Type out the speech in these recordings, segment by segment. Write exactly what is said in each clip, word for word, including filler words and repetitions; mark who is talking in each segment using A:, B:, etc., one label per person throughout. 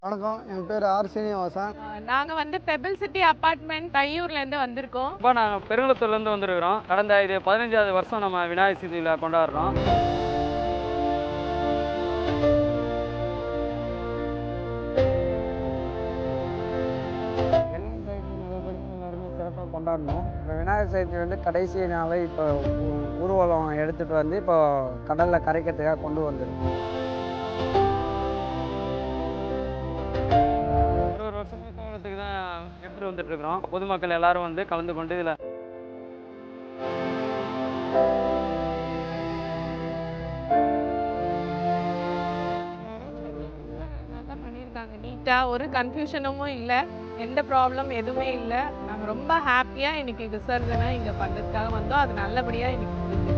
A: வணக்கம், என் பேர் ஆர் சீனிவாசன்.
B: நாங்கள் வந்து பெபிள் சிட்டி அப்பார்ட்மெண்ட் தையூர்லேருந்து வந்திருக்கோம்.
C: இப்போ நாங்கள் பெருங்குளத்தூர்லேருந்து வந்துருக்கிறோம். கடந்த இது பதினஞ்சாவது வருஷம் நம்ம விநாயகர் சதுர்த்தியில கொண்டாடுறோம்.
A: சிறப்பாக கொண்டாடணும். இப்போ விநாயகர் சதுர்த்தி வந்து கடைசி நாளை இப்போ ஊர்வலம் எடுத்துகிட்டு வந்து இப்போ கடலில் கரைக்கிறதுக்காக கொண்டு வந்துருக்கோம்.
C: ஒரு ஒரு வருஷம் கோலத்துக்கு தான் எடுத்துகிட்டு வந்துட்டு இருக்கிறோம். பொதுமக்கள் எல்லாரும் வந்து கலந்து கொண்டு இதில்
B: நல்லா பண்ணியிருக்காங்க. நீட்டாக ஒரு கன்ஃபியூஷனும் இல்லை, எந்த ப்ராப்ளம் எதுவுமே இல்லை. நாங்கள் ரொம்ப ஹாப்பியாக இன்னைக்கு விசர்ஜனை இங்கே பண்ணுறதுக்காக வந்தோம். அது நல்லபடியாக இன்னைக்கு முடிஞ்சிருச்சு.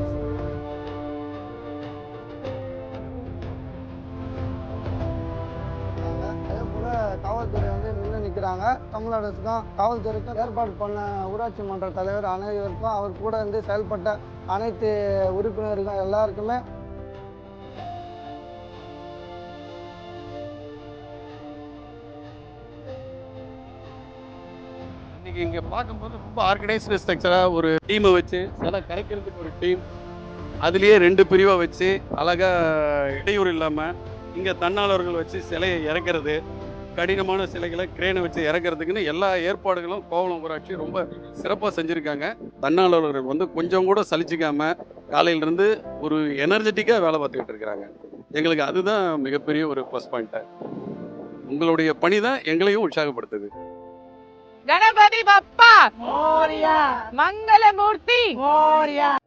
A: அதே போல் காவல்துறை வந்து நின்று நிற்கிறாங்க. தமிழ் அரசுக்கும் காவல்துறைக்கும் ஏற்பாடு பண்ண ஊராட்சி மன்ற தலைவர் அனைவருக்கும் அவர் கூட இருந்து செயல்பட்ட அனைத்து உறுப்பினர்கள் எல்லாருக்குமே
D: இன்னைக்கு இங்கே பார்க்கும்போது ரொம்ப ஆர்கனைஸ்டு ஸ்ட்ரக்சராக ஒரு டீமை வச்சு சில கரைக்கிறதுக்கு ஒரு டீம், அதுலேயே ரெண்டு பிரிவை வச்சு அழகாக இடையூறு இல்லாமல் இங்கே தன்னாளர்கள் வச்சு சிலையை இறக்கிறது, கடினமான சிலைகளை கிரேனை வச்சு இறக்கிறதுக்குன்னு எல்லா ஏற்பாடுகளும் கோவளம் ஊராட்சி ரொம்ப சிறப்பாக செஞ்சுருக்காங்க. தன்னாளர்கள் வந்து கொஞ்சம் கூட சலிச்சிக்காம காலையிலேருந்து ஒரு எனர்ஜெட்டிக்காக வேலை பார்த்துக்கிட்டு இருக்கிறாங்க. எங்களுக்கு அதுதான் மிகப்பெரிய ஒரு ப்ளஸ் பாயிண்ட்டு. உங்களுடைய பணி தான் எங்களையும் உற்சாகப்படுத்துது.
B: கணபதி பப்பா மோரியா, மங்களமூர்த்தி மோரியா.